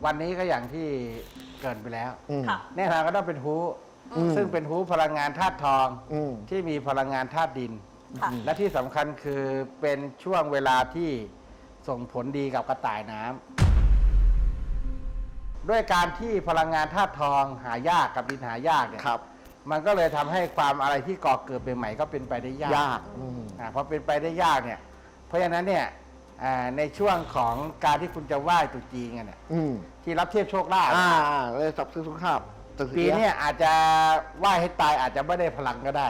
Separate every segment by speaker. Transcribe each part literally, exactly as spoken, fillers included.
Speaker 1: วันนี้ก็อย่างที่เกริ่นไปแล้ว
Speaker 2: ค่ะ
Speaker 1: แน่นอนก็ต้องเป็นฮูซึ่งเป็นฮูพลังงานธาตุทองที่มีพลังงานธาตุดิน
Speaker 2: ค่ะ
Speaker 1: และที่สำคัญคือเป็นช่วงเวลาที่ส่งผลดีกับกระต่ายน้ำด้วยการที่พลังงานธาตุทองหายากกับดินหายากเนี่ยมันก็เลยทำให้ความอะไรที่ก่อเกิดใหม่ๆก็เป็นไปได้ยาก
Speaker 3: ยาก
Speaker 1: อ่าพอเป็นไปได้ยากเนี่ยเพราะฉะนั้นเนี่ยอ่าในช่วงของการที่คุณจะไหว้ตรุษจีนกันเนี่ย
Speaker 3: อืม
Speaker 1: ที่รับเทียบโชคลาภ
Speaker 3: อ่าเลยสับซื้อสุขภาพ
Speaker 1: ปีเนี้อาจจะไหว้ให้ตายอาจจะไม่ได้พลังก็ได้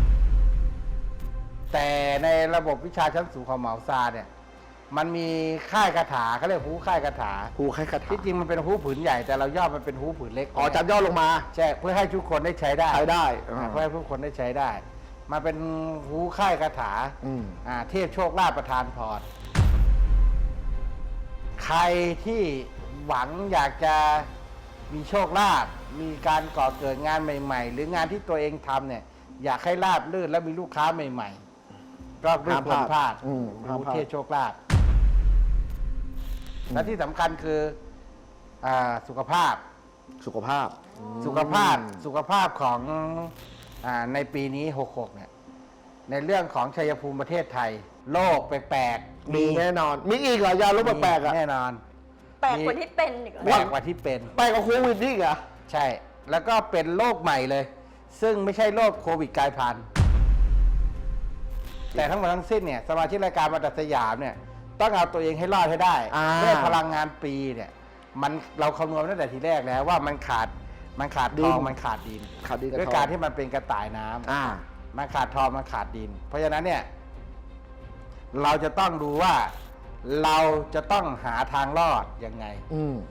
Speaker 1: แต่ในระบบวิชาชั้นสูงของเหมาซาเนี่ยมันมีค่ายคาถาเขาเรียกฮู้ค่ายคาถา
Speaker 3: ฮูใครคาถา
Speaker 1: ที่จริงมันเป็นฮู้ผืนใหญ่แต่เราย่อมันเป็นฮู้ผืนเล็ก
Speaker 3: อ๋อจับย่อลงมา
Speaker 1: ใช่เพื่อให้ทุกคนได้ใช้ได้
Speaker 3: ใช้ได้
Speaker 1: อ่าเพื่อให้ทุกคนได้ใช้ได้มาเป็นฮู้ค่ายคาถา
Speaker 3: อืม
Speaker 1: อ่าเทพโชคลาภประทานพรใครที่หวังอยากจะมีโชคลาภมีการก่อเกิดงานใหม่ๆ หรืองานที่ตัวเองทำเนี่ยอยากให้ราบรื่นและมีลูกค้าใหม่ๆก็ไม่ควรพลาด
Speaker 3: อืมห้าม
Speaker 1: ฮู้
Speaker 3: พลาด
Speaker 1: เทพโชคลาภและที่สำคัญคืออ่าสุขภาพ
Speaker 3: สุขภาพ
Speaker 1: สุขภาพสุขภาพของอาในปีนี้หกหกเนี่ยในเรื่องของชัยภูมิประเทศไทย โรคแปลกๆ
Speaker 3: มีแน่นอน มีอีกเหรอยาลดแปลกๆอ่ะ
Speaker 1: แน่นอน
Speaker 2: แปลกกว่าที่เป็นอีกเหรอ
Speaker 1: แปลกกว่าที่เป็น
Speaker 3: แปลกกว่าโควิดนี่อีกเหรอ
Speaker 1: ใช่ แล้วก็เป็นโรคใหม่เลย ซึ่งไม่ใช่โรคโควิดกลายพันธุ์แต่ทั้งหมดทั้งสิ้นเนี่ยสมาชิกรายการมาตัดสยามเนี่ยต้องเอาตัวเองให้รอดให้ได้
Speaker 3: อ่า
Speaker 1: ด้วยพลังงานปีเนี่ยมันเราคำนวณตั้งแต่ทีแรกแล้วว่ามันขาดมันขาดทองมันขาดดิน
Speaker 3: ขาดดีกับ
Speaker 1: ด้วย
Speaker 3: ทอง
Speaker 1: การที่มันเป็นกระต่ายน้ำ
Speaker 3: อ่า
Speaker 1: มันขาดทองมันขาดดิน เพราะฉะนั้นเนี่ยเราจะต้องดูว่าเราจะต้องหาทางรอดยังไง
Speaker 3: อืม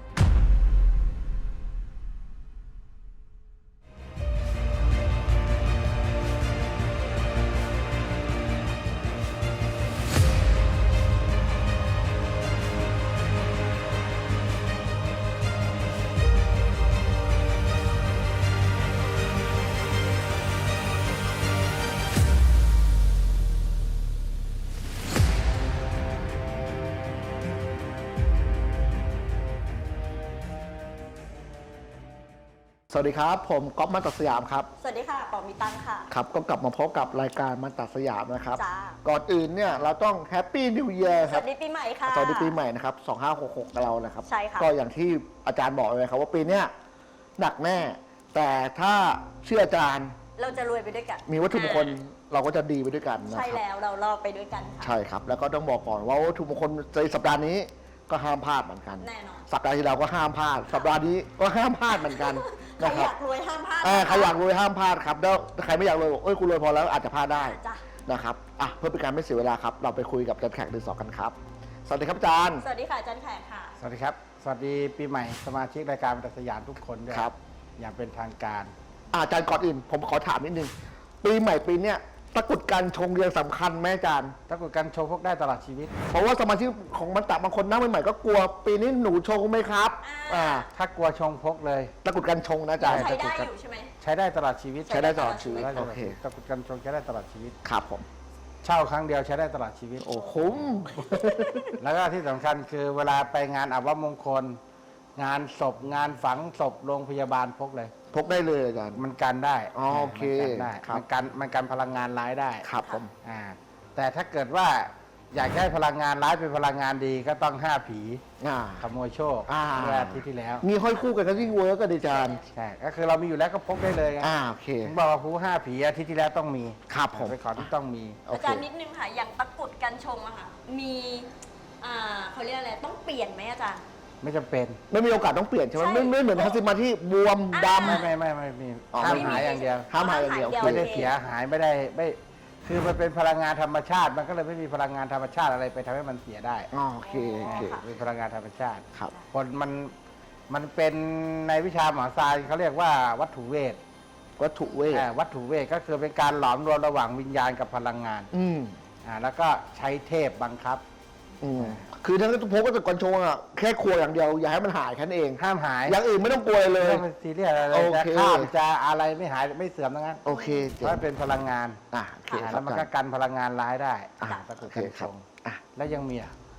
Speaker 3: สวัสดีครับ ผมก๊อฟมันตัดสยามครับ
Speaker 2: สวัสดีค่ะปอมีตังค่ะ
Speaker 3: ครับก็กลับมาพบกับรายการมันตัดสยามนะครับ
Speaker 2: จ้า
Speaker 3: ก่อนอื่นเนี่ยเราต้องแฮปปี้นิว e ย r
Speaker 2: ส
Speaker 3: ครับ
Speaker 2: วัสดีปีใหม่ค่ะ
Speaker 3: สวัสดีปีใหม่นะครับสองห้าหกหกกับเรานะครับ
Speaker 2: ใช่ค่ะ
Speaker 3: ก็อย่างที่อาจารย์บอกเลยครับว่าปีเนี้ยหนักแน่ แต่ถ้าเชื่ออาจารย์
Speaker 2: เราจะรวยไปด้วยกัน
Speaker 3: มีวัตถุมงคลเราก็จะดีไปด้วยกันนะ
Speaker 2: ใช่
Speaker 3: ครับ
Speaker 2: แล้วเรารอดไปด้วยกันค่ะ
Speaker 3: ใช่ครับ แล้วก็ต้องบอกก่อนว่าวัตถุมงคลในสัปดาห์นี้ก็ห้ามพลาดเหมือนกัน
Speaker 2: แน่นอน
Speaker 3: สัปดาห์ที่เราก็ห้ามพลาด สัปดาห์นี้ก็ห้ามพลาดเหมือนกัน
Speaker 2: ใคร
Speaker 3: นะค
Speaker 2: อ
Speaker 3: รับ
Speaker 2: ยากรวยห้ามพลาด
Speaker 3: เออใครอยากรวยห้ามพลาดครับแล้วใครไม่อยากรวยบอกเอ้ยกูรวยพอแล้วอาจจะพลาดได้
Speaker 2: จ้ะ
Speaker 3: นะครับอ่ะเพื่อเป็นการไม่เสียเวลาครับ เราไปคุยกับอาจารย์แขกดือสองกันครับ สวัสดีครับอาจารย์
Speaker 2: สวัสดีค่ะอาจารย์แขกค่ะ
Speaker 1: สวัสดีครับ สวัสดีปีใหม่สมาชิกรายการบรรทัดสยามทุกคนด้วย
Speaker 3: ครับ
Speaker 1: อย่างเป็นทางการ
Speaker 3: อ่ะอาจารย์ก่อนอื่น ผมขอถามนิดนึงปีใหม่ปีเนี้ยตะกรุดกันชงเรียงสำคัญไหมอาจารย์
Speaker 1: ถ้าเกิดการโชว์พวกได้ตลอดชีวิต
Speaker 3: เพราะว่าสมาชิกของมันตะบางคนหน้าใหม่ๆก็กลัวปีนี้หนูชงไหมครับ
Speaker 2: อ่า
Speaker 3: อ่า
Speaker 1: ถ้ากลัวชงพกเลย
Speaker 3: ตะกรุดกันชงนะอาจารย์
Speaker 2: ใช้ได้อยู่ใช่ไหม
Speaker 1: ใช้ได้ตลอดชีวิต
Speaker 3: ใช้ได้ตลอดชีวิต
Speaker 1: ใช้ได้ต
Speaker 3: โอ
Speaker 1: ลอด
Speaker 3: เค
Speaker 1: ชีวิตตะกรุดกันชงใช้ได้ตลอดชีวิต
Speaker 3: ครับผม
Speaker 1: เช่าครั้งเดียวใช้ได้ตลอดชีวิต
Speaker 3: โอ้คุ้ม
Speaker 1: แล้วก็ที่สำคัญคือเวลาไปงานอับวมงคล งานศพงานฝังศพโรงพยาบาลพกเลย
Speaker 3: พกได้เลยอาจารย์
Speaker 1: มันกันได้
Speaker 3: อ๋อโอเค
Speaker 1: มันกันได้
Speaker 3: ครับ
Speaker 1: มันกันมันกันพลังงานร้ายได้
Speaker 3: ครับผม
Speaker 1: อ่าแต่ถ้าเกิดว่าอยากได้พลังงานร้ายเป็นพลังงานดีก็ต้องห้าผี
Speaker 3: อ่า
Speaker 1: ขโมยโชค
Speaker 3: อ่า
Speaker 1: เมื่ออาทิตย์ที่แล้ว
Speaker 3: มีห้อยคู่กันก็ยิ่งเวิร์กก็ดีอาจารย์
Speaker 1: ใช่ก็คือเรามีอยู่แล้วก็พกได้เลยไง
Speaker 3: อ่าโอเค
Speaker 1: ผมบอกว่าผู้ห้าผีอาทิตย์ที่แล้วต้องมี
Speaker 3: ครับผม
Speaker 1: ไปขอที่ต้องมี
Speaker 3: โอ
Speaker 2: อา
Speaker 3: เค
Speaker 2: จารย์นิดนึงค่ะ อย่างตะกรุดกันชงอะค่ะ มีอ่าเขาเรียกอะไร ต้องเปลี่ยนไหมอาจารย์
Speaker 1: ไม่จำเป็น
Speaker 3: ไม่มีโอกาสต้องเปลี่ยนใช่ไหม
Speaker 2: ใช่
Speaker 3: ไม่ไม่เหมือนทัศมาที่บวมด
Speaker 2: อ่า
Speaker 1: ไม่ไม่ไม่ไม่มี
Speaker 3: อ๋อ
Speaker 1: ห้าม
Speaker 3: ไม่มี
Speaker 1: หายอย่างเดียว
Speaker 3: ำห้ามหายอย่างเดียว
Speaker 2: ห้ามหาย
Speaker 1: ไม่
Speaker 2: เดี
Speaker 1: ได้
Speaker 2: ยว
Speaker 1: เสียหายไม่ได้ไม่คือมันเป็นพลังงานธรรมชาติ มันก็เลยไม่มีพลังงานธรรมชาติอะไรไปทำให้มันเสียได้
Speaker 3: อ๋อโอเคโอเค
Speaker 1: เป็นพลังงานธรรมชาติ
Speaker 3: ครับ
Speaker 1: คนมันมันเป็นในวิชาหมอซายเขาเรียกว่าวัตถุเวท
Speaker 3: วัตถุเวท
Speaker 1: อ่าวัตถุเวทก็คือเป็นการหลอมรวมระหว่างวิญญาณกับพลังงาน
Speaker 3: อืม
Speaker 1: อ่าแล้วก็ใช้เทพบังคับ
Speaker 3: อืมคือถ้าพกก็จะกอนโชงอ่ะแค่ครัวอย่างเดียวอย่าให้มันหายแค่นั้นเอง
Speaker 1: ห้ามหาย
Speaker 3: อย่างอื่นไม่ต้องกลัวเลย
Speaker 1: ไม่ต้องเป็นซีเรียสอะไร
Speaker 3: โอ
Speaker 1: จะ
Speaker 3: เค
Speaker 1: ข้ามจะอะไรไม่หายไม่เสื่อมทั้งนั้น
Speaker 3: โอเค
Speaker 1: เพ
Speaker 3: เจ๋ง
Speaker 1: ราะมันเป็นพลังงาน
Speaker 3: อ่ะโอเค
Speaker 1: อ่า
Speaker 3: ครั
Speaker 1: แล้
Speaker 3: บ
Speaker 1: วมัน
Speaker 3: อา
Speaker 1: ก็
Speaker 3: จารย์
Speaker 1: กันพลังงานร้ายได้
Speaker 3: อ่ะ
Speaker 1: ตะกรุ
Speaker 3: โอ
Speaker 1: ด
Speaker 3: เค
Speaker 1: กัน
Speaker 3: ค
Speaker 1: ช
Speaker 3: รับ
Speaker 1: ง
Speaker 3: อ่ะ
Speaker 1: แล้วยังมีอ่ะ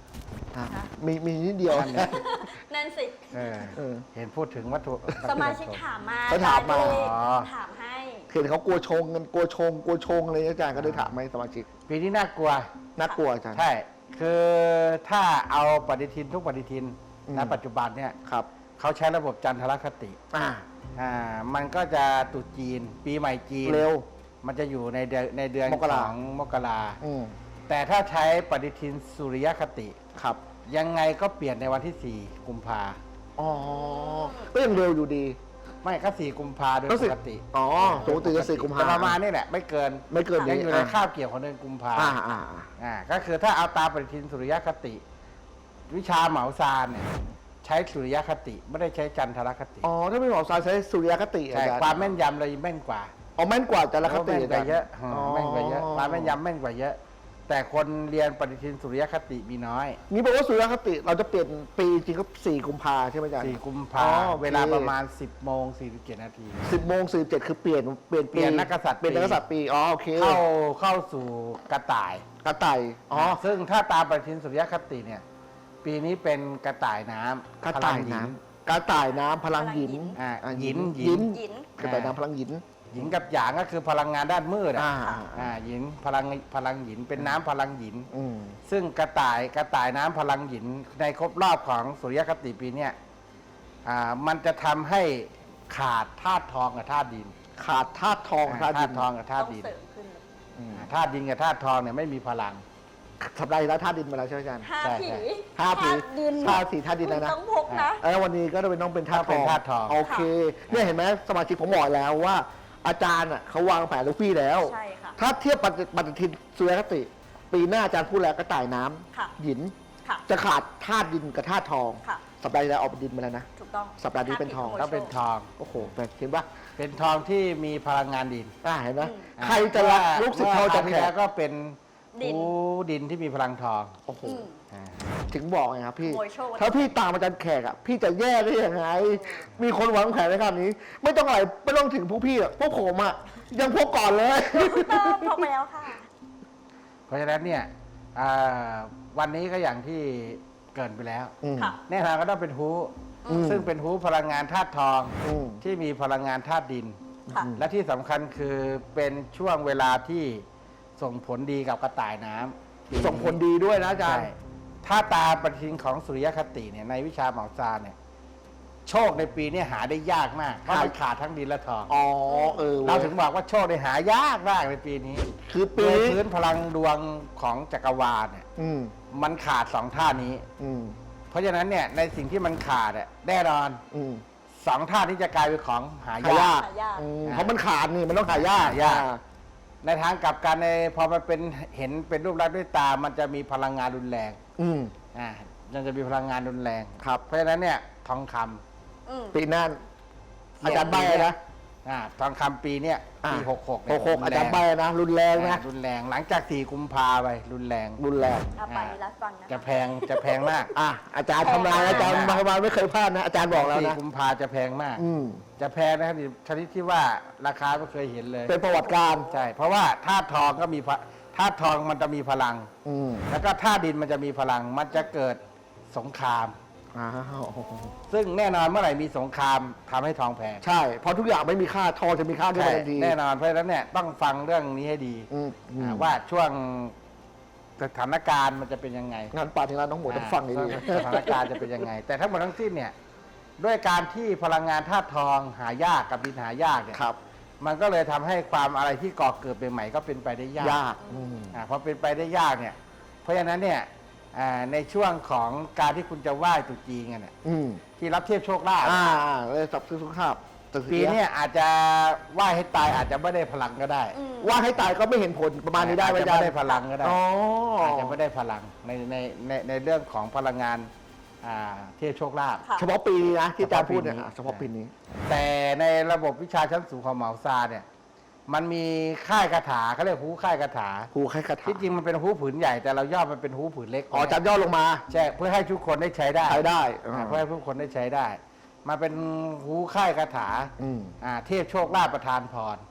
Speaker 3: อ่ะ
Speaker 2: ค่ะ
Speaker 3: มีมีนิดเดียว
Speaker 1: นั่นแหละ
Speaker 2: นั่นสิ
Speaker 1: เออ
Speaker 3: เออ
Speaker 1: เห็นพูดถึงวัตถุ
Speaker 2: สมาชิกถามมา
Speaker 3: เขาถามมา
Speaker 2: อจรย์ก็เลย
Speaker 1: อ๋อ
Speaker 2: ถามให้
Speaker 3: เห็นเขากลัวชงกันกลัวชงกลัวชงอะไรอาจารย์ก็ได้ถามไหมสมาชิก
Speaker 1: ปีนี้น่ากลัว
Speaker 3: น่ากลัวอาจารย์
Speaker 1: ใช่ คือถ้าเอาปฏิทินทุกปฏิทิน
Speaker 3: อืม
Speaker 1: ณปัจจุบันเนี่ย
Speaker 3: ครับ
Speaker 1: เขาใช้ระบบจันทรคติ
Speaker 3: อ่า
Speaker 1: อ่ามันก็จะตรุษจีน ปีใหม่จีน
Speaker 3: เร็ว
Speaker 1: มันจะอยู่ในเดือนในเดือน
Speaker 3: มกรา
Speaker 1: ของมกรา
Speaker 3: อืม
Speaker 1: แต่ถ้าใช้ปฏิทินสุริยคติ
Speaker 3: ครับ
Speaker 1: ยังไงก็เปลี่ยนในวันที่สี่กุมภา
Speaker 3: อ๋อก็ยังเร็วอยู่ดี
Speaker 1: ไม่ก็สี่กุมภาโดย
Speaker 3: ก็
Speaker 1: ป
Speaker 3: สิ
Speaker 1: กติ
Speaker 3: อ๋อปกติจะสี่กุมภา
Speaker 1: แต่ประมาณนี่แหละ ไม่เกิน
Speaker 3: ไม่เกิน
Speaker 1: ยัง
Speaker 3: นี้
Speaker 1: อยู่ใน
Speaker 3: อ่ะ
Speaker 1: คาบเกี่ยวของเดือนกุมภา
Speaker 3: อ่าอ่าอ่า
Speaker 1: อ่าก็คือถ้าเอาตามปฏิทินสุริยคติ วิชาเหมาซานเนี่ยใช้สุริยคติไม่ได้ใช้จันทรคติ
Speaker 3: อ๋อถ้าเป็นหมอซายใช้สุริยคติอา
Speaker 1: ใช่
Speaker 3: จารย์
Speaker 1: ความแม่นยำเลยแม่นกว่า
Speaker 3: อ๋อแม่นกว่าจารคติ
Speaker 1: แม่นกว่าเยอะ
Speaker 3: อ๋อ
Speaker 1: แม่นกว่าเยอะความแม่นยำแม่นกว่าเยอะ แต่คนเรียนปฏิทินสุริยคติมีน้อย
Speaker 3: นี่บอกว่าสุริยคติเราจะเปลี่ยนปีจริงก็สี่กุมภาใช่ไหมอาจารย์
Speaker 1: สี่กุม
Speaker 3: อ๋
Speaker 1: ภา
Speaker 3: อโอเค
Speaker 1: เวลาประมาณสิบโมงสี่สิบเจ็ดนาที
Speaker 3: สิบโมงสี่สิบเจ็ดคือเปลี่ยนเปลี่ยน
Speaker 1: เปลี่ยนนักกษัตริย์
Speaker 3: เปลี่ยนนักกษัตริย์ปีอ๋อโอเค
Speaker 1: เข้าเข้าสู่กระต่าย
Speaker 3: กระต่ายอ๋อ
Speaker 1: ซึ่งถ้าตามปฏิทินสุริยคติเนี่ย ปีนี้เป็นกระต่ายน้ำ
Speaker 3: กระต่าย
Speaker 1: พลังหญิ
Speaker 3: น้ำกระต่ายน้ำพลังหยิน
Speaker 1: อ่า
Speaker 3: อ่า
Speaker 1: หยิน
Speaker 3: หยิน
Speaker 2: หยิน
Speaker 3: กระต่ายน้ำพลังหยิน
Speaker 1: หญิงกับหยางก็คือพลังงานด้านมืดอ่ะ
Speaker 3: อ่า
Speaker 1: อ่าหญิงพลังพลังหญินเป็นน้ำพลังหญิน
Speaker 3: อืม
Speaker 1: ซึ่งกระต่ายกระต่ายน้ำพลังหญินในครบรอบของสุริยคติปีเนี้ยอ่ามันจะทำให้ขาดธาตุทองกับธาตุดิน
Speaker 3: ขาดธาตุทอง
Speaker 1: อ่า
Speaker 3: ธาตุ
Speaker 1: ธา
Speaker 3: ดิ
Speaker 1: ตุ
Speaker 3: น
Speaker 1: ทองกับธา
Speaker 2: ต้
Speaker 1: ตุ
Speaker 2: อง
Speaker 1: ดิน
Speaker 2: เสริมขึ้นเลย
Speaker 3: อืม
Speaker 1: อ่าธาตุดินกับธาตุทองเนี่ยไม่มีพลัง
Speaker 3: สัปดาห์ที่แล้วธาตุดินมาแล้วใช่ไหมอาจารย์
Speaker 2: ห้า
Speaker 1: ใช่
Speaker 2: ผี
Speaker 1: ใช่
Speaker 3: ห้าผี
Speaker 2: ธตุดิน
Speaker 3: ธาตุสี่ธาตุดินแล้วนะ
Speaker 2: คุณต้องพกนะ
Speaker 3: แล้ววันนี้ก็จะเป็นต้องเป็นธาตุท
Speaker 1: เป็
Speaker 3: อน ง
Speaker 1: ธาตุทอง
Speaker 3: โอเคเนี่ยเห็นไหมสมาชิกผมบอกแล้วว่า อาจารย์อ่ะเขาวางแผนลูกพี่แล้ว
Speaker 2: ใช่ค่ะ
Speaker 3: ถ้าเทียบปฏิปฏิทินสุริยคติ ปีหน้าอาจารย์พูดแล้วกระต่ายน้ำ
Speaker 2: ค่ะ
Speaker 3: หยิน
Speaker 2: ค่ะ
Speaker 3: จะขาดธาตุดินกับธาตุทอง
Speaker 2: ค่ะ
Speaker 3: สัปดาห์ที่แล้วออกเป็นดินมาแล้วนะ
Speaker 2: ถูกต้อง
Speaker 3: สัปดาห์นี้เป็นทอง
Speaker 2: ห้าผี
Speaker 1: ต้องเป็นทอง
Speaker 3: โอ้โหแบบเห็นปะ
Speaker 1: เป็นทองที่มีพลังงานดิน
Speaker 3: อ่าเห็นไหม
Speaker 2: อืม
Speaker 1: อ่า
Speaker 3: ใครจะรักลูกศิษย์เขาจะ
Speaker 1: มื่อครวที่
Speaker 3: แข่
Speaker 1: แล้วก็เป็น
Speaker 2: ดิน
Speaker 1: หูดินที่มีพลังทอง
Speaker 3: โอ้โห
Speaker 2: อืม
Speaker 1: อ่า
Speaker 3: ถึงบอกไงครับพี่
Speaker 2: ขโมยโชค
Speaker 3: ถ้าพี่ตามอาจารย์แขกอ่ะพี่จะแย่ได้ยังไง มีคนวางแผนในขนาดนี้ ไม่ต้องอะไรไม่ต้องถึงพวกพี่อ่ะพวกผมอ่ะยังพวกก่อนเลย
Speaker 2: เติมพกไปแล้วค่ะ
Speaker 1: เพราะฉะนั้นเนี่ยอ่าวันนี้ก็อย่างที่เกรินไปแล้ว
Speaker 3: อืม
Speaker 2: ค่ะ
Speaker 1: แน่นอนก็ต้องเป็นฮู
Speaker 3: อืม
Speaker 1: ซึ่งเป็นฮูพลังงานธาตุทอง
Speaker 3: อืม
Speaker 1: ที่มีพลังงานธาตุดิน
Speaker 2: ค่ะ
Speaker 1: และที่สำคัญคือเป็นช่วงเวลาที่ส่งผลดีกับกระต่ายน้ำ
Speaker 3: ส่งผลดีด้วยนะอาจารย์
Speaker 1: ใช่ถ้าตามปฏิทินของสุริยคติเนี่ยในวิชาเหมาซานเนี่ยโชคในปีนี้หาได้ยากมากเพราะมันขาดทั้งดินและทอง
Speaker 3: อ๋อเออ
Speaker 1: เราถึงบอกว่าโชคได้หายากมากในปีนี้
Speaker 3: คือปี
Speaker 1: โดย
Speaker 3: นี้
Speaker 1: พื้นพลังดวงของจักรวาลเนี่ย
Speaker 3: อืม
Speaker 1: มันขาดสองท่านี้
Speaker 3: อืม
Speaker 1: เพราะฉะนั้นเนี่ยในสิ่งที่มันขาดอะแน่นอน
Speaker 3: อืม
Speaker 1: สองท่านี้จะกลายเป็นของหา
Speaker 3: หาย
Speaker 1: าย
Speaker 3: าก ก
Speaker 2: หายาก
Speaker 3: อืมเพราะมันขาดนี่มันต้องหายาก
Speaker 1: หายาก ในทางกลับกันในพอมันเป็นเห็นเป็นรูปลักษณ์ด้วยตา มันจะมีพลังงานรุนแรง
Speaker 3: อืม
Speaker 1: อ่ามันจะมีพลังงานรุนแรง
Speaker 3: ครับ
Speaker 1: เพราะฉะนั้นเนี่ยทองคำ
Speaker 2: อืม
Speaker 3: ปีหน้าอาจารย์ใบนะ
Speaker 1: อ่าทองคำปีเนี่ยปีหกหก
Speaker 3: หกหกอาจารย์ใบนะ รุนแรงนะ
Speaker 1: รุนแรงหลังจากสี่กุมภาไปรุนแรง
Speaker 3: รุนแรง
Speaker 2: เอาไปรับฟังนะ
Speaker 1: จะ
Speaker 2: คะ
Speaker 1: แพงจะแพงมาก
Speaker 3: อ่ะอาจารย์ทำลายอาจารย์มามาไม่เคยพลาดนะ อาจารย์บอกแล้ว
Speaker 1: สี่
Speaker 3: นะ
Speaker 1: กุมภาจะแพงมาก
Speaker 3: อืม
Speaker 1: จะแพงนะครับชนิดที่ว่าราคาไม่เคยเห็นเลย
Speaker 3: เป็นประวัติการ
Speaker 1: ใช่ เพราะว่าธาตุทองก็มีพะธาตุทองมันจะมีพลัง
Speaker 3: อืม
Speaker 1: แล้วก็ธาตุดินมันจะมีพลัง มันจะเกิดสงคราม
Speaker 3: อ้าว
Speaker 1: ซึ่งแน่นอนเมื่อไหร่มีสงครามทำให้ทองแพง
Speaker 3: ใช่ เพราะทุกอย่างไม่มีค่าทองจะมีค่าขึ้น
Speaker 1: ใช่
Speaker 3: มาทันที
Speaker 1: แน่นอนเพราะฉะนั้นเนี่ยต้องฟังเรื่องนี้ให้ดี
Speaker 3: อืมอืม
Speaker 1: อ่าว่าช่วงสถานการณ์มันจะเป็นยังไง
Speaker 3: งานป่าถึงร้านน้องหมูต้องฟังดี
Speaker 1: อ่าสถานการณ์จะเป็นยังไง แต่ทั้งหมดทั้งสิ้นเนี่ยด้วยการที่พลังงานธาตุทองหายากกับดินหายากเนี่ย
Speaker 3: ๆครับ
Speaker 1: มันก็เลยทำให้ความอะไรที่ก่อเกิดใหม่ๆก็เป็นไปได้ยาก
Speaker 3: ยากอืม
Speaker 1: อ่าพอเป็นไปได้ยากเนี่ย เพราะฉะนั้นเนี่ยอ่าในช่วงของการที่คุณจะไหว้ตรุษจีนกันเนี่ย
Speaker 3: อืม
Speaker 1: ที่รับเทียบโชคลาภ
Speaker 3: อ่าเลยสับซื้อสุขภาพตึก
Speaker 1: ปีเนี้อาจจะไหว้ให้ตายอาจจะไม่ได้พลังก็ได้
Speaker 2: อืม
Speaker 3: ว่าให้ตายก็ไม่เห็นผลประมาณนี้ได้ไหม
Speaker 1: อาจ
Speaker 3: อา
Speaker 1: จะ
Speaker 3: จาร
Speaker 1: ไม่
Speaker 3: ย์
Speaker 1: ได้พลังก็ได้
Speaker 3: อ๋อ
Speaker 1: อาจจะไม่ได้พลังในในในในเรื่องของพลังงานอ่าเทียบโชคลาภ
Speaker 2: ค่ะ
Speaker 3: เฉพาะปีนี้นะที่อาจารย์พูดเนี่ย
Speaker 1: เฉ
Speaker 3: อ่ะ
Speaker 1: พาะปีนี้
Speaker 3: เฉพาะปีนี้
Speaker 1: แต่ในระบบวิชาชั้นสูงของเหมาซาเนี่ยมันมีค่ายคาถาเขาเรียกฮู้ค่ายคาถา
Speaker 3: ครูให้คาถา
Speaker 1: ที่จริงมันเป็นฮู้ผืนใหญ่แต่เราย่อมันเป็นฮู้ผืนเล็ก
Speaker 3: อ๋ออาจารย์ย่อลงมา
Speaker 1: ใช่เพื่อให้ทุกคนได้ใช้ได้
Speaker 3: ใช้ได้
Speaker 1: อ่าเพื่อให้ทุกคนได้ใช้ได้ มาเป็นฮู้ค่ายคาถา
Speaker 3: อืม
Speaker 1: อ่าเทพโชคลาภประทานพร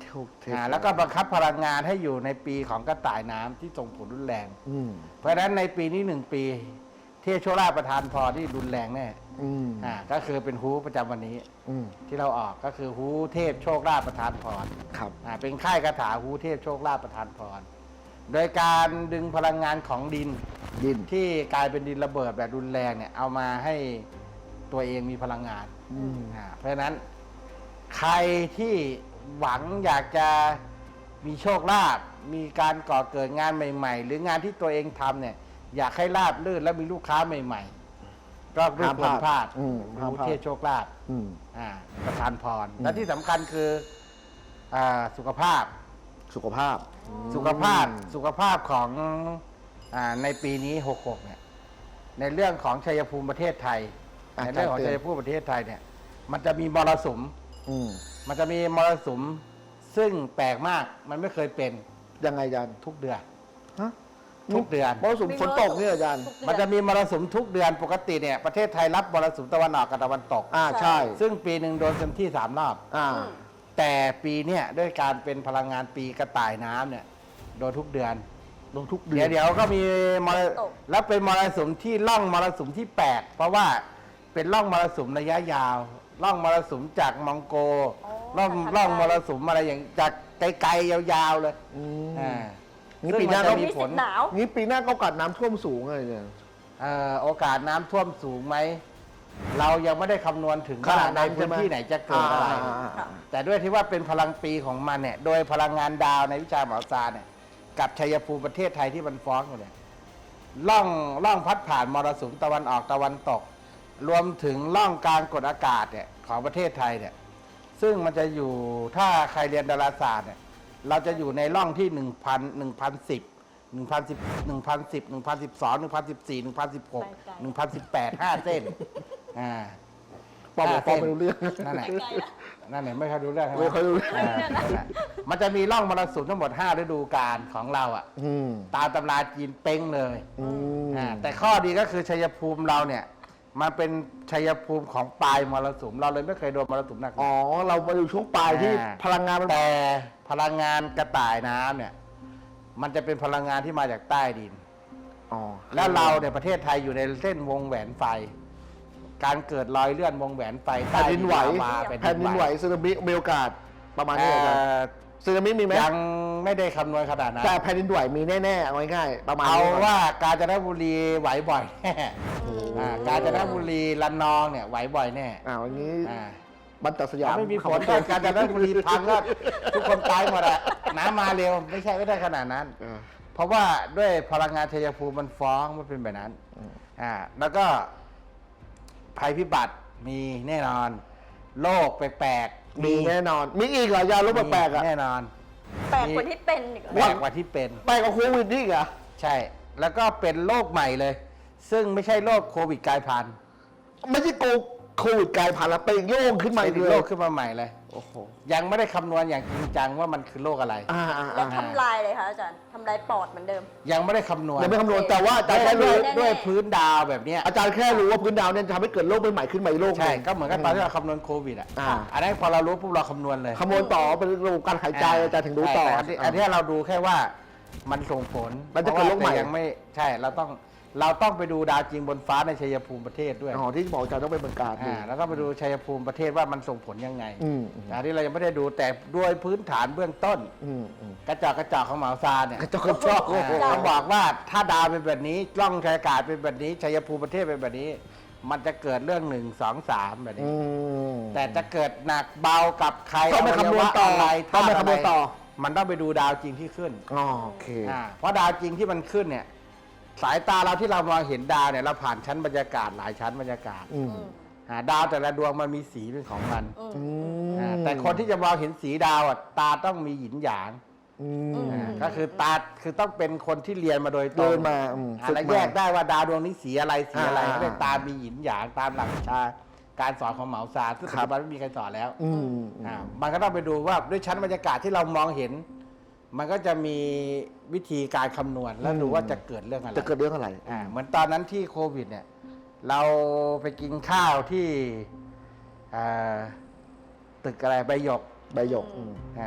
Speaker 3: โชคเทพ
Speaker 1: อ่าแล้วก็บังคับพลังงานให้อยู่ในปีของกระต่ายน้ำที่ส่งผลรุนแรง
Speaker 3: อืม
Speaker 1: เพราะฉะนั้นในปีนี้หนึ่งปีเทพโชคลาภประทานพรที่รุนแรงแน่
Speaker 3: อืม
Speaker 1: อ่าก็คือเป็นฮูประจำวันนี้
Speaker 3: อืม
Speaker 1: ที่เราออกก็คือฮูเทพโชคลาภประทานพร
Speaker 3: ครับ
Speaker 1: อ่าเป็นค่ายคาถาฮูเทพโชคลาภประทานพร โดยการดึงพลังงานของดิน
Speaker 3: ดิน
Speaker 1: ที่กลายเป็นดินระเบิดแบบรุนแรงเนี่ยเอามาให้ตัวเองมีพลังงาน
Speaker 3: อืม
Speaker 1: อ่าเพราะฉะนั้นใครที่หวังอยากจะมีโชคลาภมีการก่อเกิดงานใหม่ ๆ หรืองานที่ตัวเองทำเนี่ยอยากให้ราบรื่นและมีลูกค้าใหม่ ๆ ก็ไม่ควรพลาด
Speaker 3: อืมห้าม
Speaker 1: รู้
Speaker 3: พลาด
Speaker 1: เทศโชคลาภ
Speaker 3: อืม
Speaker 1: อ่าประทานพร
Speaker 3: อืม
Speaker 1: และที่สำคัญคืออ่าสุขภาพ
Speaker 3: สุขภาพ
Speaker 1: สุขภาพสุขภาพของอาในปีนี้หกหกเนี่ยในเรื่องของชัยภูมิประเทศไทย
Speaker 3: อ่ะ
Speaker 1: ในเรื่องของ
Speaker 3: จัดเต็ม
Speaker 1: ชัยภูมิประเทศไทยเนี่ยมันจะมีมรสุม
Speaker 3: อืม
Speaker 1: มันจะมีมรสุมซึ่งแปลกมากมันไม่เคยเป็น
Speaker 3: ยังไงอาจารย์
Speaker 1: ทุกเดือน
Speaker 3: ฮะ
Speaker 1: ทุกเดือน
Speaker 3: มรสุมฝนตกเนี่ยอาจารย์
Speaker 2: ทุกเดือ
Speaker 1: มันจะมีมรสุมทุกเดือนปกติเนี่ยประเทศไทยรับมรสุมตะวันออกกับตะวันตก
Speaker 3: อ่าใช่
Speaker 1: ซึ่งปีหนึ่งโดนเต็มที่สามรอบ
Speaker 3: อ่า
Speaker 2: อืม
Speaker 1: แต่ปีเนี่ยด้วยการเป็นพลังงานปีกระต่ายน้ำเนี่ยโดนทุกเดือน
Speaker 3: ลงทุกเดื
Speaker 1: เดี๋
Speaker 3: อย น
Speaker 1: วเดี๋ยวก็มีมร
Speaker 2: ตก
Speaker 1: แล้วเป็นมรสุมที่ล่องมรสุมที่แปดเพราะว่าเป็นล่องมรสุมระยะยาวล่องมรสุมจากมองโก
Speaker 2: อ๋อ
Speaker 1: ล่อง
Speaker 2: จากทาง
Speaker 1: ล่อง
Speaker 2: ไกล
Speaker 1: มรสุมอะไรอย่างจากไกลๆยาวๆเลย
Speaker 3: อืม
Speaker 1: อ่า
Speaker 3: งี้
Speaker 1: ซึ่ง
Speaker 3: ปีหน้า
Speaker 1: มั
Speaker 3: ก็
Speaker 1: จะ
Speaker 2: มี
Speaker 1: มีผ
Speaker 2: สิ
Speaker 1: ล
Speaker 2: ทธิ์หนาว
Speaker 3: งี้ปีหน้าก็โอกาสน้ำท่วมสูงเลยเนี่ย
Speaker 1: เอ่อโอกาสน้ำท่วมสูงไหมเรายังไม่ได้คำนวณถึง
Speaker 3: ข
Speaker 1: ว่า
Speaker 3: นาดนั้
Speaker 1: ใน
Speaker 3: น
Speaker 1: พื้น
Speaker 3: ใช่ไหม
Speaker 1: ที่ไหนจะเกิดอะไร
Speaker 3: อ่าอ่าอ่า
Speaker 1: แต่ด้วยที่ว่าเป็นพลังปีของมันเนี่ยโดยพลังงานดาวในวิชาหมอซาเนี่ยกับชัยภูมิประเทศไทยที่มันฟ้องอยู่เนี่ยล่องล่องพัดผ่านมรสุมตะวันออกตะวันตก รวมถึงล่องกลางกดอากาศเนี่ยของประเทศไทยเนี่ยซึ่งมันจะอยู่ถ้าใครเรียนดาราศาสตร์เนี่ยเราจะอยู่ในร่องที่หนึ่งพันหนึ่งพันสิบหนึ่งพันสิบหนึ่งพันสิบหนึ่งพันสิบสองหนึ่งพันสิบสี่หนึ่งพันสิบหกหนึ่งพันสิบแปดห้าเส้นอ่า
Speaker 3: ปอมปอมไม่รู้เรื่อง
Speaker 1: นั่นแหละ
Speaker 2: ไกลละ
Speaker 1: นั่นแหละไม่ค่อยรู้เรื่องใช่ไหม
Speaker 3: ไม่ค่อยรู้เรื่อง
Speaker 1: านั่นแหละมันจะมีร่องมรสุมทั้งหมดห้าฤดูกาลของเราอ่ะ
Speaker 3: อืม
Speaker 1: ตามตำราจีนเป้งเลย
Speaker 3: อืม
Speaker 1: อ่าแต่ข้อดีก็คือชัยภูมิเราเนี่ยมันเป็นชัยภูมิของปลายมรสุมเราเลยไม่เคยโดนมรสุมหนัก
Speaker 3: อ๋อ เรามาอยู่ช่วงปลายที่
Speaker 1: อ่
Speaker 3: พลังงานมัน
Speaker 1: แต่พลังงานกระต่ายน้ำเนี่ยมันจะเป็นพลังงานที่มาจากใต้ดิน
Speaker 3: อ๋อ
Speaker 1: แล้วเราเนี่ยประเทศไทยอยู่ในเส้นวงแหวนไฟ การเกิดรอยเลื่อนวงแหวนไฟ
Speaker 3: แผ่นดินไหว
Speaker 1: ใต้ลาวา
Speaker 3: แผ่นดินไหวสึนามิมีโอกาสประมาณนี้เหรออาจารย์
Speaker 1: เอ่อ
Speaker 3: สึนามิมีไหม
Speaker 1: ยังไม่ได้คำนวณขนาดนั้น
Speaker 3: แต่แผ่นดินไหวมีแน่ๆเอาง่ายๆประมาณ
Speaker 1: เอา
Speaker 3: นี้ก่น
Speaker 1: ว่ากาญจนบุรีไหวบ่อยแน่อ่ากาญจนบุรีระนองเนี่ยไหวบ่อยแน่
Speaker 3: อ่าวันนี้
Speaker 1: อ่า
Speaker 3: บันตัดสยาม
Speaker 1: ถ้าไม่มีฝนก็กาญจนบุรีพังก็ทุกคนตายหมดอะน้ำมาเร็วไม่ใช่ไม่ได้ขนาดนั้น
Speaker 3: เออ
Speaker 1: เพราะว่าด้วยพลังงานชัยภูมิมันฟ้องมันเป็นแบบนั้น
Speaker 3: อืม
Speaker 1: อ่าแล้วก็ภัยพิบัติมีแน่นอนโรคแปลกๆ
Speaker 3: มีแน่นอน มีอีกเหรอยาลบแปลกๆอ่ะ
Speaker 1: แน่นอน
Speaker 2: แปลกกว่าที่เป็นอีกเหรอ
Speaker 1: แปลกกว่าที่เป็น
Speaker 3: แปลกกว่าโควิดนี่อีกเหรอ
Speaker 1: ใช่ แล้วก็เป็นโรคใหม่เลย ซึ่งไม่ใช่โรคโควิดกลายพันธุ์
Speaker 3: ไม่ใช่โคโควิดกลายพันธุ์แล้วเป็นอีกโรคขึ้นมาอีก
Speaker 1: เป็น
Speaker 3: เล
Speaker 1: โร
Speaker 3: ย
Speaker 1: คขึ้นมาใหม่เลย
Speaker 3: โอ้โห
Speaker 1: ยังไม่ได้คำนวณอย่างจริงจังว่ามันคือโรคอะไร
Speaker 3: อ่าอ่า
Speaker 2: แล้ว
Speaker 3: อ่า
Speaker 2: ทำลายเลยคะอาจารย์ทำลายปอดเหมือนเดิม
Speaker 1: ยังไม่ได้คำนวณ
Speaker 3: ยังไม่คำนวณแต่ว่าอาจารย์แค่
Speaker 1: ด้
Speaker 3: รู้
Speaker 1: วย
Speaker 2: แน่ๆ
Speaker 1: ด้วยพื้นดาวแบบเนี้ย
Speaker 3: อาจารย์แค่รู้ว่าพื้นดาวเนี่ยจะทำให้เกิดโรคใหม่ๆขึ้นมาอีกโรคห
Speaker 1: ใช่
Speaker 3: นึ่ง
Speaker 1: ก็เหมือนกับตอนที่เราคำนวณโควิดอ่ะ
Speaker 3: อ่า
Speaker 1: อันนั้นพอเรารู้ปุ๊บเราคำนวณเลย
Speaker 3: คำนวณต่อเป็นระบบการหายใจอาจารย์ถึงรู้ต่อ
Speaker 1: ใช่แต่นนี้อันนี้เราดูแค่ว่ามันส่งผล
Speaker 3: มันจะเกิดโรคใหม่
Speaker 1: พาะว่าแต่ยังไม่ใช่เราต้องเราต้องไปดูดาวจริงบนฟ้าในชัยภูมิประเทศด้วย
Speaker 3: อ๋อที่บอกอาจารย์ต้องไปเมืองการดู
Speaker 1: อ่าแล้วก็ไปดูชัยภูมิประเทศว่ามันส่งผลยังไง
Speaker 3: อืมอืม
Speaker 1: อันนี้เรายังไม่ได้ดูแต่ด้วยพื้นฐานเบื้องต้น
Speaker 3: อืมอืม
Speaker 1: กระจอกกระจอกของเหมาซาเนี่ย
Speaker 3: กระจอกกระจอก
Speaker 1: อ่า
Speaker 3: โอ้โห
Speaker 1: เขาบอกว่าถ้าดาวเป็นแบบนี้กล้องชัยอากาศเป็นแบบนี้ชัยภูมิประเทศเป็นแบบนี้ มันจะเกิดเรื่องหนึ่งสองสามแบบ
Speaker 3: อื
Speaker 1: นี้
Speaker 3: ม
Speaker 1: แต่จะเกิดหนักเบากับใคร
Speaker 3: ต้องไปคำนวณต่อ
Speaker 1: อะไร
Speaker 3: ต้องไป
Speaker 1: ธาตุ
Speaker 3: คำนวณต่อ
Speaker 1: ะไรมันต้องไปดูดาวจริงที่ขึ้น
Speaker 3: อ๋อโอเค
Speaker 1: อ่าเพราะดาวจริงที่มันขึ้นเนี่ย สายตาเราที่เรามองเห็นดาวเนี่ยเราผ่านชั้นบรรยากาศหลายชั้นบรรยากาศ
Speaker 3: อืม
Speaker 1: อ่าดาวแต่ละดวงมันมีสีเป็นของมัน
Speaker 2: อืม
Speaker 3: อืม
Speaker 1: อ่าแต่คนที่จะมองเห็นสีดาวอ่ะตาต้องมีหยินหยาง
Speaker 3: อืม
Speaker 2: อืม
Speaker 1: อ่าก็คือตาคือต้องเป็นคนที่เรียนมาโดยตร
Speaker 3: เดิ
Speaker 1: ง
Speaker 3: นมาอืม
Speaker 1: อ่า
Speaker 3: ฝึก
Speaker 1: แล้ว
Speaker 3: มา
Speaker 1: แยกได้ว่าดาวดวงนี้สีอะไรสีอะไร
Speaker 3: อ่า
Speaker 1: เขาเรียกตามีหยินหยางตามหลักวิชาการสอนของเหมาซาซึ่งปัจจุบันไม่มีใครสอนแล้ว
Speaker 3: อืม
Speaker 1: อ่ามันก็ต้องไปดูว่าด้วยชั้นบรรยากาศที่เรามองเห็น มันก็จะมีวิธีการคำนวณแล้วดูว่าจะเกิดเรื่องอะไร
Speaker 3: จะเกิดเรื่องอะไร
Speaker 1: อ่าเหมือนตอนนั้นที่โควิดเนี่ย เราไปกินข้าวที่อ่าตึกอะไรใบหยก
Speaker 3: ใบหยกอืม
Speaker 1: อ่า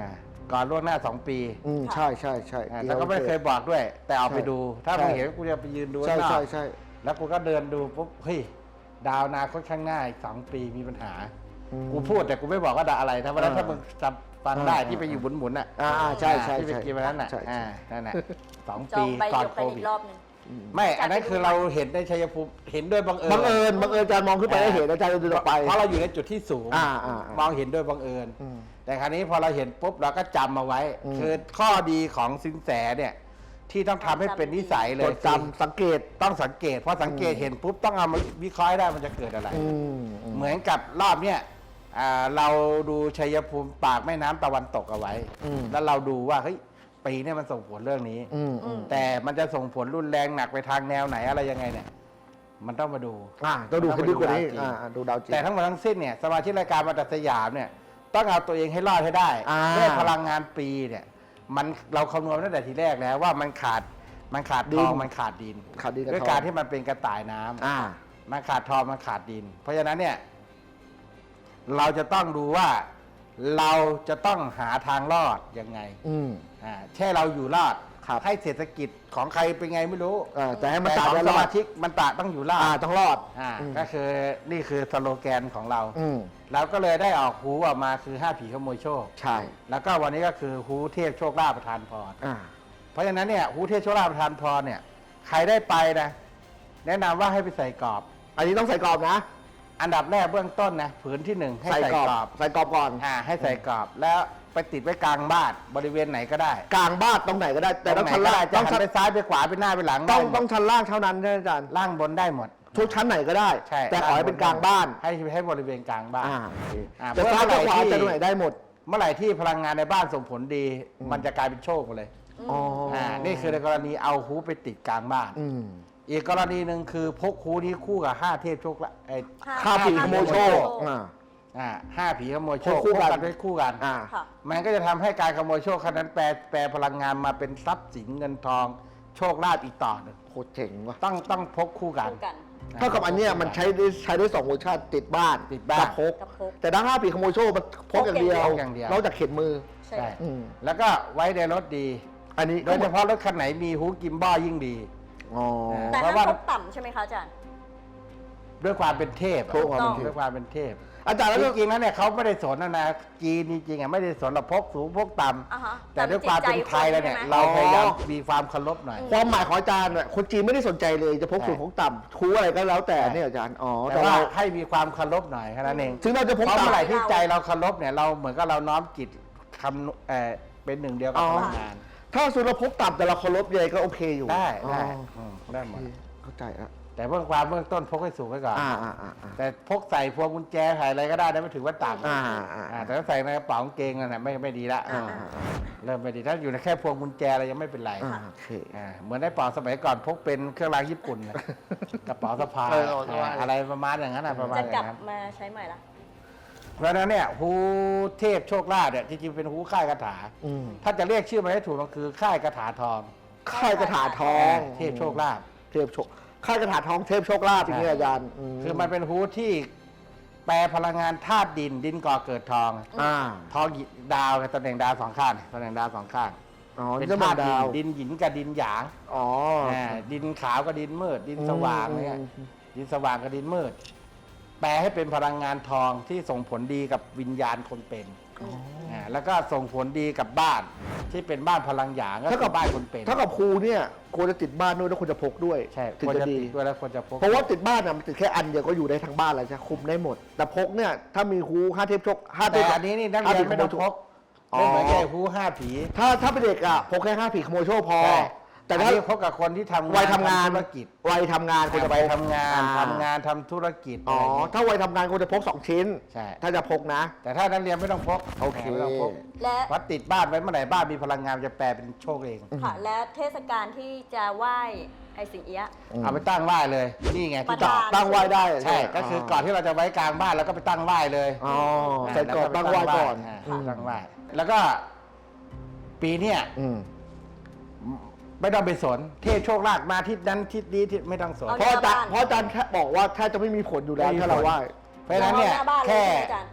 Speaker 1: ก่อนล่วงหน้าสองปี
Speaker 3: อืมใช่ใช่ใช่
Speaker 1: อ่าแต่ก็ไม่เคยบอกด้วย แต่เอาไปดู ถ้ามึงเห็นกูจะไปยืนดู
Speaker 3: ใช่
Speaker 1: ข้างนอก
Speaker 3: ใช่ใช่
Speaker 1: แล้วกูก็เดินดูปุ๊บเฮ้ยดาวอนาคตข้างหน้าอีกสองปีมีปัญหา
Speaker 3: อืม
Speaker 1: กูพูดแต่กูไม่บอกว่าดาวอะไรถ้าวันนั้น
Speaker 3: อ่า
Speaker 1: ถ้ามึงจำฟังได้
Speaker 3: อ่า
Speaker 1: ที่ไปอยู่หมุนๆอ่ะ
Speaker 3: อ่าอ่าใช่ใช่
Speaker 1: ที่ไป
Speaker 3: ใช่
Speaker 1: กินวันนั้นอ่ะ
Speaker 3: ใช่ใช่
Speaker 1: อ่านั่นแหละสอง
Speaker 2: จอ
Speaker 1: ปี
Speaker 2: งไป
Speaker 1: ก่อน
Speaker 2: เดี๋ยว
Speaker 1: โค
Speaker 2: ไป
Speaker 1: วิ
Speaker 2: อี
Speaker 1: ด
Speaker 2: กรอบหนึง
Speaker 1: ไม่อันนั้นคือเราเห็นในชัยภูมิเห็นด้วยบังเอิญ
Speaker 3: บังเอิญบังเอิญอาจารย์มองขึ้นไปได้เห็นอาจารย์เดินออกไป
Speaker 1: เพราะเราอยู่ในจุดที่สูง
Speaker 3: อ่าอ่าอ่าม
Speaker 1: องเห็นด้วยบังเอิญ
Speaker 3: อืม
Speaker 1: แต่คราวนี้พอเราเห็นปุ๊บเราก็จำมาไว้
Speaker 3: อืม
Speaker 1: คือข้อดีของสินแสเนี่ยที่ต้องทำให้เป็นนิสัยเล
Speaker 3: จ
Speaker 1: ย
Speaker 3: ดจำสังเกต
Speaker 1: ต้องสังเกตเพราะสังเกตเห็นปุ๊บต้องเอามาวิเคราะห์ให้ได้มันจะเกิดอะไร
Speaker 3: อืมอืม
Speaker 1: เหมือนกับรอบเนี้ยอ่าเราดูชัยภูมิปากแม่น้ำตะวันตกเอาไว้
Speaker 3: อืม
Speaker 1: แล้วเราดูว่าเฮ้ยปีเนี้มันส่งผลเรื่องนี้
Speaker 3: อืมอืม
Speaker 1: แต่มันจะส่งผลรุนแรงหนักไปทางแนวไหนอะไรยังไงเนี่ย มันต้องมาดู
Speaker 3: อ่าต้องดูให้ลึกกว่านี้
Speaker 1: มันต้องไปดูดาวจริง
Speaker 3: อ่าอ่าดูดาวจริง
Speaker 1: แต่ทั้งหมดทั้งสิ้นเนี่ยสมาชิกรายการมาตัดสยามเนี่ยต้องเอาตัวเองให้รอดให้ได้
Speaker 3: อ่า
Speaker 1: ด้วยพลังงานปีเนี่ยมันเราคำนวณตั้งแต่ทีแรกแล้วว่ามันขาดมันขาดทองมันขาดดิน
Speaker 3: ขาดดินกับ
Speaker 1: ด้วย
Speaker 3: ทอง
Speaker 1: การที่มันเป็นกระต่ายน้ำ
Speaker 3: อ่า
Speaker 1: มันขาดทองมันขาดดิน เพราะฉะนั้นเนี่ย เราจะต้องดูว่าเราจะต้องหาทางรอดยังไง
Speaker 3: อืม
Speaker 1: อ่าแค่เราอยู่รอด
Speaker 3: ครับ
Speaker 1: ให้เศรษฐกิจของใครเป็นไงไม่รู้
Speaker 3: อ่าแต่ให้มัน
Speaker 1: แต่
Speaker 3: ตา
Speaker 1: ของ
Speaker 3: ได้
Speaker 1: ส
Speaker 3: รอ
Speaker 1: มา
Speaker 3: ด
Speaker 1: ชิกมันตะต้องอยู่รอด
Speaker 3: อ่าต้องรอด
Speaker 1: อ่า
Speaker 3: อืม
Speaker 1: ก็คือนี่คือสโลแกนของเรา
Speaker 3: อืม
Speaker 1: เราก็เลยได้ออกฮูออกมาคือห้าผีขโมยโชค
Speaker 3: ใช่
Speaker 1: แล้วก็วันนี้ก็คือฮูเทพโชคลาภประทานพร
Speaker 3: อ่า
Speaker 1: เพราะฉะนั้นเนี่ยฮูเทพโชคลาภประทานพรเนี่ย ใครได้ไปนะ แนะนำว่าให้ไปใส่กรอบ
Speaker 3: อันนี้ต้องใส่กรอบนะ
Speaker 1: อันดับแรกเบื้องต้นนะผืนที่หนึ่งให้
Speaker 3: ใส่
Speaker 1: ใส่
Speaker 3: กรอบ
Speaker 1: กรอบ
Speaker 3: ใส่กรอบก่อน
Speaker 1: อ่าให้ใส่กรอบ แล้วไปติดไว้กลางบ้านบริเวณไหนก็ได้
Speaker 3: กลางบ้านตรงไหนก็ได้ แต่ต้อง
Speaker 1: ร
Speaker 3: ชั้น
Speaker 1: ไหก็
Speaker 3: ล่าง
Speaker 1: ได้จะ
Speaker 3: ต้อง
Speaker 1: หั
Speaker 3: ชั้
Speaker 1: น
Speaker 3: น
Speaker 1: ไปซ้ายไปขวาไปหน้าไปหลัง
Speaker 3: ต้
Speaker 1: ได้
Speaker 3: อง
Speaker 1: หมด
Speaker 3: ต้องชั้นล่างเท่านั้นนะอาจารย์
Speaker 1: ล่างบนได้หมด
Speaker 3: ทุกชั้นไหนก็ได้
Speaker 1: ใช่
Speaker 3: แต่ขอให้เป็นกลางบ้าน
Speaker 1: ให้ให้บริเวณกลางบ้าน
Speaker 3: อ่าโอเค
Speaker 1: อ่า
Speaker 3: จะซ้ายจะขวา
Speaker 1: เพื่อเมื่อไหร่ที่
Speaker 3: จะตรงไหนได้หมด
Speaker 1: เมื่อไหร่ที่พลังงานในบ้านส่งผลดี
Speaker 3: อืม
Speaker 1: มันจะกลายเป็นโชคไปเลย
Speaker 3: อ๋ออ่
Speaker 1: อ่านี่คือในกรณีเอาฮูไปติดกลางบ้าน
Speaker 3: อืม
Speaker 1: อีกกรณีหนึ่งคือพกฮูนี้คู่กับห้าเทพโชคละไอ้
Speaker 3: ข้าผีขโมยโชคอ่า
Speaker 1: อ่าห้าผีขโมยโชค
Speaker 3: พกคู่กัน
Speaker 1: พไว้คู่กัน
Speaker 3: อ่า
Speaker 2: ค่ะ
Speaker 1: มันก็จะทำให้การขโมยโชคครั้งนั้นแปลแปลพลังงานมาเป็นทรัพย์สินเงินทองโชคลาภอีกต่อหนึ่ง
Speaker 3: โคตรเจ๋งว่ะ
Speaker 1: ต้องต้องพกคู่กัน
Speaker 2: คู่กัน
Speaker 3: เท่ากับอันเนี้ยมันใช้ได้ใช้ได้สองเวอร์ชันติดบ้าน
Speaker 1: ติดบ้าน
Speaker 3: กับพก
Speaker 2: กับพก
Speaker 3: แต่ด้านห้าปีขโมยโชคมันพกอย่างเดียว
Speaker 1: พกอย่างเดียว
Speaker 3: นอกจากเข็นมือ
Speaker 2: ใช่
Speaker 1: ใช่
Speaker 3: อืม
Speaker 1: แล้วก็ไว้ในรถดี
Speaker 3: อันนี้
Speaker 1: โดยเฉพาะรถคันไหนมีฮูกิมบ้ายิ่งดี
Speaker 3: อ๋อ
Speaker 2: แต่
Speaker 1: เพ
Speaker 2: ห้า
Speaker 1: ราะว่า
Speaker 2: มพกต่ำใช่ไหมคะอาจารย์
Speaker 1: ด้วยความเป็นเทพอะ
Speaker 3: ถูกต้อง
Speaker 1: ด้วยความเป็นเทพ
Speaker 3: อาจารย์แล้ว
Speaker 1: จ
Speaker 3: ก็
Speaker 1: ริงๆแล้วเนี่ยเขาไม่ได้สนนะนะจีนจริงๆอ่ะไม่ได้สนเราพกสูงพกต่
Speaker 2: อ่าฮะ
Speaker 1: ำแต่ด้วยความเป็นไทยแล้วเนี่ย
Speaker 2: แต่
Speaker 1: เรา
Speaker 2: มันจิตใจคนใช่ไหม
Speaker 1: พยายามมีความเคารพหน่อย
Speaker 3: ความหมายของอาจารย์น่ะคนจีนไม่ได้สนใจเลยจะพกสูง
Speaker 1: ใช่
Speaker 3: พกต่ำคูอะไรก็แล้วแต่
Speaker 1: ใช่
Speaker 3: เนี่ยอาจารย์อ๋อ
Speaker 1: แต่
Speaker 3: แต่
Speaker 1: ว่า
Speaker 3: ว่า
Speaker 1: ให้มีความเคารพหน่อยแค่นั้นเอง
Speaker 3: ถึงเราจะพก
Speaker 1: เพราะเมื่อไหร่
Speaker 3: ต่ำ
Speaker 1: ที่ใจเราเคารพเนี่ยเราเหมือนกับเราน้อมจิตคำเอ่อเป็นหนึ่งเดียวกับ
Speaker 3: อ๋อ
Speaker 1: พลังงาน
Speaker 3: ถ้าสูงเราพกต่ำแต่เราเคารพยังไงก็โอเคอยู่
Speaker 1: ได้
Speaker 3: อ๋อ
Speaker 1: ได้อืมได้หม
Speaker 3: โอ
Speaker 1: ด
Speaker 3: เคเข้าใจอ่ะ
Speaker 1: แต่เบื้องความเบื้องต้นพกให้สูงไว้ก่อน
Speaker 3: อ่าอ่าอ่าอ่า
Speaker 1: แต่พกใส่พวงกุญแจใส่อะไรก็ได้นะไม่ถือว่าต่ำ
Speaker 3: อ่าอ่า
Speaker 1: อ่าแต่ถ้าใส่ในกระเป๋ากางเกงนั่นแหละไม่ไม่ดีละ
Speaker 3: อ่า
Speaker 1: อ่าเริ่มไม่ดีถ้าอยู่ในแค่พวงกุญแจอะไรยังไม่เป็นไร
Speaker 3: อ่าโอเค
Speaker 1: อ่าเหมือนในเป๋าสมัยก่อนพกเป็นเครื่องรางญี่ปุ่นนะกระเป๋าสะพาย
Speaker 3: เออเอาเอาไว้
Speaker 1: อ่าอะไรประมาณอย่างนั้นนะประมาณ
Speaker 2: จะ
Speaker 1: อก
Speaker 2: ลั
Speaker 1: ย่า
Speaker 2: บ
Speaker 1: งนั้น
Speaker 2: มาใช้ใหม่ละ
Speaker 1: เพราะฉะนั้นเนี่ยฮูเทพโชคลาภเนี่ยจริงๆเป็นฮูค่ายคาถา
Speaker 3: อืม
Speaker 1: ถ้าจะเรียกชื่อมันให้ถูกมันคือค่ายคาถาทอง
Speaker 3: ค่ายกระถาทอง
Speaker 1: เทพโชคลาภ
Speaker 3: เทพโชคค่ายกระถาทองเทพโชคลาภอย่างนี้อาจารย์
Speaker 1: คือมันเป็นฮูที่แปลพลังงานธาตุดินดินก่อเกิดทอง
Speaker 3: อ่า
Speaker 1: ทองหยิดาวกับตำแหน่งดาวสองข้างตำแหน่งดาวสองข้าง
Speaker 3: อ๋อ
Speaker 1: เป็น
Speaker 3: จะ
Speaker 1: ธา
Speaker 3: มา
Speaker 1: ตุดิ
Speaker 3: ดาน ว
Speaker 1: ดินหยินกับดินหยาง
Speaker 3: อ๋อ
Speaker 1: อ่าดินขาวกับดินมืด ดินสว่างเนี่ย
Speaker 3: อืม
Speaker 1: ดินสว่างกับดินมืด แปลให้เป็นพลังงานทองที่ส่งผลดีกับวิญญาณคนเป็นอ่าแล้วก็ส่งผลดีกับบ้านที่เป็นบ้านพลังหยางก็
Speaker 3: เท่า
Speaker 1: คื
Speaker 3: กั
Speaker 1: อบ บ้านคนเป็น
Speaker 3: เท่ากับครูเนี่ยควรจะติดบ้านด้วยแล้วควรจะพกด้วย
Speaker 1: ใช่
Speaker 3: ถึง
Speaker 1: ควร
Speaker 3: จะ
Speaker 1: จะ
Speaker 3: ดี
Speaker 1: ติดด้วยแล้วควรจะพก
Speaker 3: เพราะว่าติดบ้านน่ะมันติดแค่อันเดียวก็อยู่ได้ทั้งบ้านแล้วใช่คุมได้หมด แต่พกเนี่ยถ้ามีครูห้าเทพโชคห้าเท
Speaker 1: แต่
Speaker 3: พ
Speaker 1: อันนี้นี่นักเรียนไม่ต้องพก
Speaker 3: อ๋อ
Speaker 1: ไม่เหมือนแก่ฮูห้าผี
Speaker 3: ถ้าถ้าเป็นเด็กอ่ะพกแค่ห้าผีขโมยโชคพอ
Speaker 1: ใช่
Speaker 3: แต่
Speaker 1: แต่
Speaker 3: ถ้า
Speaker 1: ถ้าพกกับคนที่ทำ
Speaker 3: วัยทำงาน
Speaker 1: ธุรกิจ
Speaker 3: วัยทำงานควรจะ
Speaker 1: ไป
Speaker 3: พก
Speaker 1: ทำงาน
Speaker 3: อ่
Speaker 1: ทำงานทำธุรกิจ
Speaker 3: อ๋อ
Speaker 1: อะไรอย่างเงี้ย
Speaker 3: ถ้าวัยทำงานควรจะพกสองชิ้น
Speaker 1: ใช่
Speaker 3: ถ้าจะพกนะ
Speaker 1: แต่ถ้านักเรียนไม่ต้องพก
Speaker 3: โอเค
Speaker 1: ไม่ต้องพก
Speaker 2: และ
Speaker 1: วัดติดบ้านไว้เมื่อไหร่บ้านมีพลังงานจะแปลเป็นโชคเอง
Speaker 2: ค่ะ และเทศกาลที่จะไหว้ไอ้สิงเอี้ยะ
Speaker 1: เอาไปตั้งไหว้เลย นี่ไงที่
Speaker 2: ประ
Speaker 1: ต่อ
Speaker 2: ธาน
Speaker 3: ตั้งไหว้ได้
Speaker 1: ใช่ก็คือก่อนที่เราจะไว้กลางบ้านแล้วก็ไปตั้งไหว้เลย
Speaker 3: อ๋อใส่กรอบ
Speaker 1: แล้
Speaker 3: ตั้งไหว้ก่อน
Speaker 1: า
Speaker 3: อืม
Speaker 1: ตั้งไหว้แล้วก็ปีเนี้ย
Speaker 3: อืม
Speaker 1: ไม่ต้องไปสน เทพโชคลาภมาทิศนั้นทิศนี้ทิศไม่ต้องสน
Speaker 2: เอา
Speaker 3: เพราะอาจารย์
Speaker 2: บ้าน
Speaker 3: เพราะอาจารย์แค่บอกว่าแค่จะไม่มีผลอยู่แล้ว
Speaker 1: ไม่มี
Speaker 3: ถ้าเรา
Speaker 1: ผล
Speaker 3: ไหว้
Speaker 1: เพราะฉะนั้นเนี่ย
Speaker 2: อาหาบ้าล
Speaker 1: แค่
Speaker 2: ใช่ไหมอาจารย์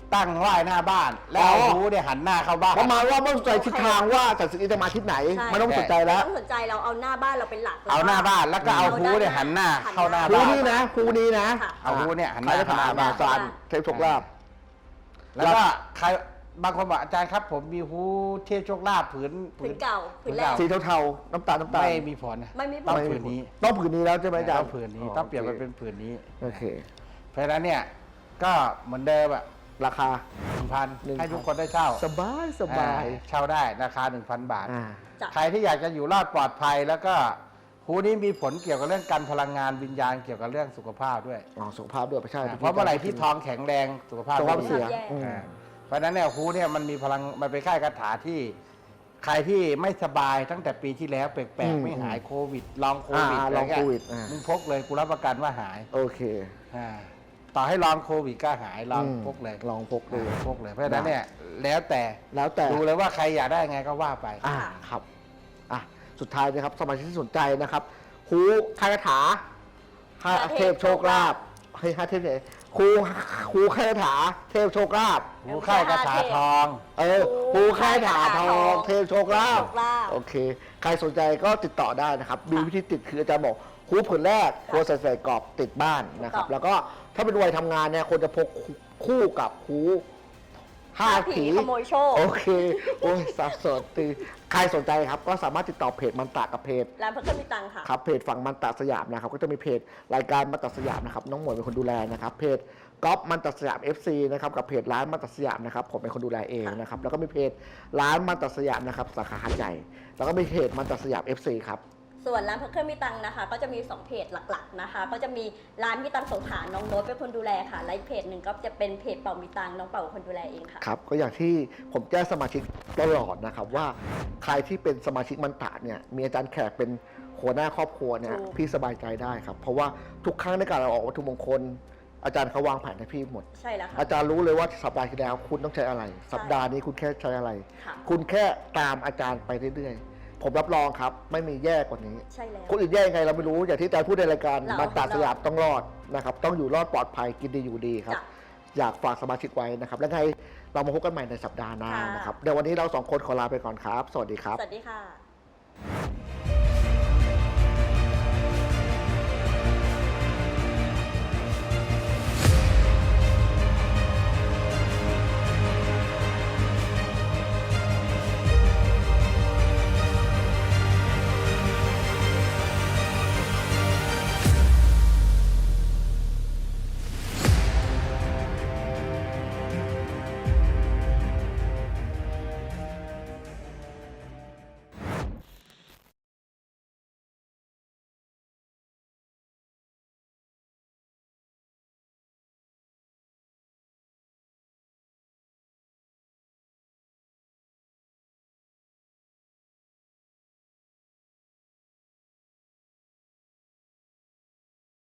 Speaker 1: ตั้งไหว้หน้าบ้าน แล้วเอาฮูเนี่ยหันหน้าเข้าบ้าน
Speaker 3: ประมาณว่าไม่ต้องสนใจทิศทางว่าจัดสิ่งนี้จะมาทิศไหน
Speaker 2: ใช่
Speaker 3: ไม่ต้องสนใจแล้ว
Speaker 2: ไม่ต้องสนใจเราเอาหน้าบ้านเราเป็นหลัก
Speaker 1: เอาหน้าบ้านแล้วก็เอาฮูเนี่ยหันหน้าเข้าหน้า
Speaker 3: ครู
Speaker 1: บ้าน
Speaker 3: นี้นะครูนี้นะ
Speaker 2: ค่ะ
Speaker 1: เอาฮูเนี่ยหันห
Speaker 3: ใคร
Speaker 1: น้า
Speaker 3: จะ
Speaker 1: เข้าห
Speaker 3: ถา
Speaker 1: น้าม บ้า
Speaker 3: อาน จารย์เทพโชคลาภ
Speaker 1: แล้วก็ใครบางคนบอกอาจารย์ครับ ผมมีฮูเทพโชคลาภผืน
Speaker 2: ผืนเก่าผืนแรก
Speaker 3: สีเทาๆน้ำตาลน้ำตาล
Speaker 1: ไม่มีผลนะ
Speaker 2: ไม่มีผล
Speaker 1: ต้องผืนนี้
Speaker 3: ต้องผืนนี้แล้วใช่ไหมอาจาร
Speaker 1: ต้อ
Speaker 3: ย์
Speaker 1: งผืนนี้ต้องเปลี่ยนมาเป็นผืนนี้
Speaker 3: โอเค
Speaker 1: เพราะฉะนั้นเนี่ยก็เหมือนเดิมอะ
Speaker 3: ราคา
Speaker 1: หนึ่งพัน
Speaker 3: หนึ่งพัน
Speaker 1: ให้ทุกคนได้เช่า
Speaker 3: สบายสบาย
Speaker 1: อ่เช่าได้ราคา หนึ่งพัน บาท
Speaker 3: อ่า
Speaker 2: จ้ะ
Speaker 1: ใครที่อยากจะอยู่รอดปลอดภัย แล้วก็ฮูนี้มีผลเกี่ยวกับเรื่องการพลังงานวิญญาณเกี่ยวกับเรื่องสุขภาพด้วย
Speaker 3: อ๋อสุขภาพด้วยไม่ใช่
Speaker 1: เพราะเมื่อไหร่ที่ท้องแข็งแรงสุขภาพ
Speaker 3: สุขภาพ
Speaker 1: ไม่ดี
Speaker 3: เสีย
Speaker 2: แย่
Speaker 3: อืม
Speaker 1: อ่าเพราะฉะนั้นเนี่ยฮูเนี่ยมันมีพลังมันเป็นค่ายคาถาที่ ใครที่ไม่สบายตั้งแต่ปีที่แล้วแปล
Speaker 3: อื
Speaker 1: ก
Speaker 3: ม
Speaker 1: ๆไม่หายโควิดลองโควิด
Speaker 3: อ่า
Speaker 1: อะไร
Speaker 3: ลอง
Speaker 1: เงี้ย
Speaker 3: โควิดอ่ามึ
Speaker 1: มึงพกเลยกูรับประกันว่าหาย
Speaker 3: โอเค
Speaker 1: อ่าต่อให้ลองโควิดก็หายลอง
Speaker 3: อืม
Speaker 1: พกเลย
Speaker 3: ลองพกดู
Speaker 1: อ่าพกเลยเพราะฉะนั้นเนี่ยแล้วแต่
Speaker 3: แล้วแต่
Speaker 1: ดูเลยว่าใครอยากได้ไงก็ว่าไป
Speaker 3: อ่าครับอ่ะสุดท้ายนะครับสมาชิกที่สนใจนะครับครูคาถาห้าเทพโชคลาภเฮ้ยห้าเทพไหนครูครูคาถาเทพโชคลาภ
Speaker 1: หูค่ายกระถาทอง
Speaker 3: เออครูคาถาทองเทพโชคลาภ
Speaker 2: โชคลาภ
Speaker 3: โอเค ใครสนใจก็ติดต่อได้นะครับมีวิธีติดคืออาจารย์บอกครูผืนแรกควรใส่ใส่กรอบติดบ้านนะครับ
Speaker 2: ถูกต้อง
Speaker 3: แล้วก็ถ้าเป็นวัยทำงานเนี่ยควรจะพกคู่กับครูห้าผี
Speaker 2: ขโมยโชค
Speaker 3: โอเค โอ้ยสับสนตีใครสนใจครับ ก็สามารถติดต่อเพจมันตากับเพจ
Speaker 2: ร้านพระเครื่องมีตังค่ะ
Speaker 3: ครับเพจฝั่งมันตาสยามนะครับ ก็จะมีเพจรายการมันตาสยามนะครับ น้องหมวยเป็นคนดูแลนะครับ เพจก๊อฟมันตาสยาม เอฟ ซี นะครับ กับเพจร้านมันตาสยามนะครับ ผมเป็นคนดูแลเองนะครับ แล้วก็มีเพจร้านมันตาสยามนะครับ สาขาหาดใหญ่ แล้วก็มีเพจมันตาสยาม เอฟ ซี ครับ
Speaker 2: ส่วนร้านพระเครื่องมีตังนะคะ ก็จะมีสองเพจหลักๆนะคะ ก็จะมีร้านมีตังสงขลาน้องโน้ตเป็นคนดูแลค่ะและอีกเพจหนึ่งก็จะเป็นเพจเป่ามีตังน้องเป่าเป็นคนดูแลเองค่ะ
Speaker 3: ครับก็อย่างที่ผมแจ้งสมาชิกตลอดนะครับว่าใครที่เป็นสมาชิกมันตะเนี่ยมีอาจารย์แขกเป็นหัวหน้าครอบครัวเนี่ย
Speaker 2: ถูก
Speaker 3: พี่สบายใจได้ครับเพราะว่าทุกครั้งในการเราออกวัตถุมงคล อาจารย์เขาวางแผนให้พี่หมด
Speaker 2: ใช่แล้วค่ะ
Speaker 3: อาจารย์รู้เลยว่าสัปดาห์ที่แล้วคุณต้องใช้อะไร สัปดาห์นี้คุณแค่ใช้อะไร
Speaker 2: ค่ะ
Speaker 3: คุณแค่ตามอาจารย์ไปเรื่อยๆผมรับรองครับไม่มีแย่กว่านี้
Speaker 2: ใช่แล้ว
Speaker 3: คนอื่นแย่ยังไงเราไม่รู้อย่างที่อาจารย์พูดในรายการ
Speaker 2: เรา
Speaker 3: มันตาสยามต้องรอดนะครับต้องอยู่รอดปลอดภัยกินดีอยู่ดีครับ
Speaker 2: จ้ะ
Speaker 3: อยากฝากสมาชิกไว้นะครับ แล้วไงเรามาพบกันใหม่ในสัปดาห์หน้า
Speaker 2: ค่ะ
Speaker 3: นะครับ เดี๋ยววันนี้เราสองคนขอลาไปก่อนครับ สวัสดีครับ
Speaker 2: สวัสดีค่ะ